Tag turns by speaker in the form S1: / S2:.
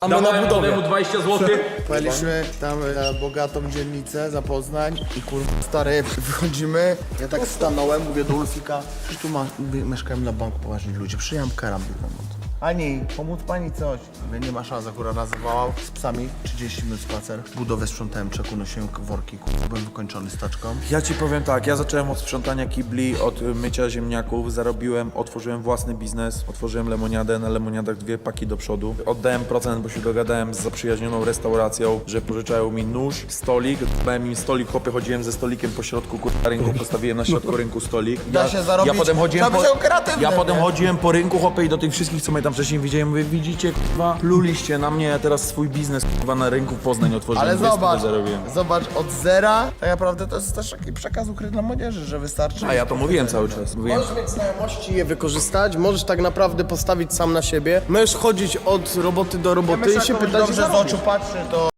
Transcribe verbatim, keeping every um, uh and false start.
S1: Dawałem mu dwadzieścia złotych.
S2: Pojechaliśmy tam na bogatą dzielnicę za Poznań i kurwa stary, wychodzimy, ja tak stanąłem, mówię do Ulfika, że tu ma, mieszkają na banku poważni ludzie, przyjąłem karambit na noc. Ani, pomóc pani coś. Mówię, nie ma szans, akurat nazywałam z psami, trzydzieści minut spacer. Budowę sprzątałem, czeku nosiłem worki, kurwa, byłem wykończony staczką.
S3: Ja ci powiem tak, ja zacząłem od sprzątania kibli, od mycia ziemniaków, zarobiłem, otworzyłem własny biznes, otworzyłem lemoniadę, na lemoniadach dwie paki do przodu. Oddałem procent, bo się dogadałem z zaprzyjaźnioną restauracją, że pożyczają mi nóż, stolik, dałem im stolik, chłopie, chodziłem ze stolikiem po środku kurwa rynku, postawiłem na środku rynku stolik.
S2: Da się zarobić,
S3: ja potem chodziłem
S2: trzeba
S3: po,
S2: być kreatywnym,
S3: ja potem
S2: nie?
S3: chodziłem po rynku, chłopie, i do tych wszystkich, co mnie tam wcześniej widziałem, mówię, widzicie, kurwa, pluliście na mnie, ja teraz swój biznes, kurwa, na rynku w Poznań otworzyłem.
S2: Ale
S3: dwie
S2: zobacz,
S3: stówy zarobiłem.
S2: zobacz, od zera tak naprawdę to jest też taki przekaz ukryty dla młodzieży, że wystarczy.
S3: A ja to mówiłem cały czas, mówiłem.
S4: Możesz mieć znajomości i je wykorzystać, możesz tak naprawdę postawić sam na siebie. Możesz chodzić od roboty do roboty i się pytać,
S2: dobrze
S4: że
S2: z oczu patrzy, to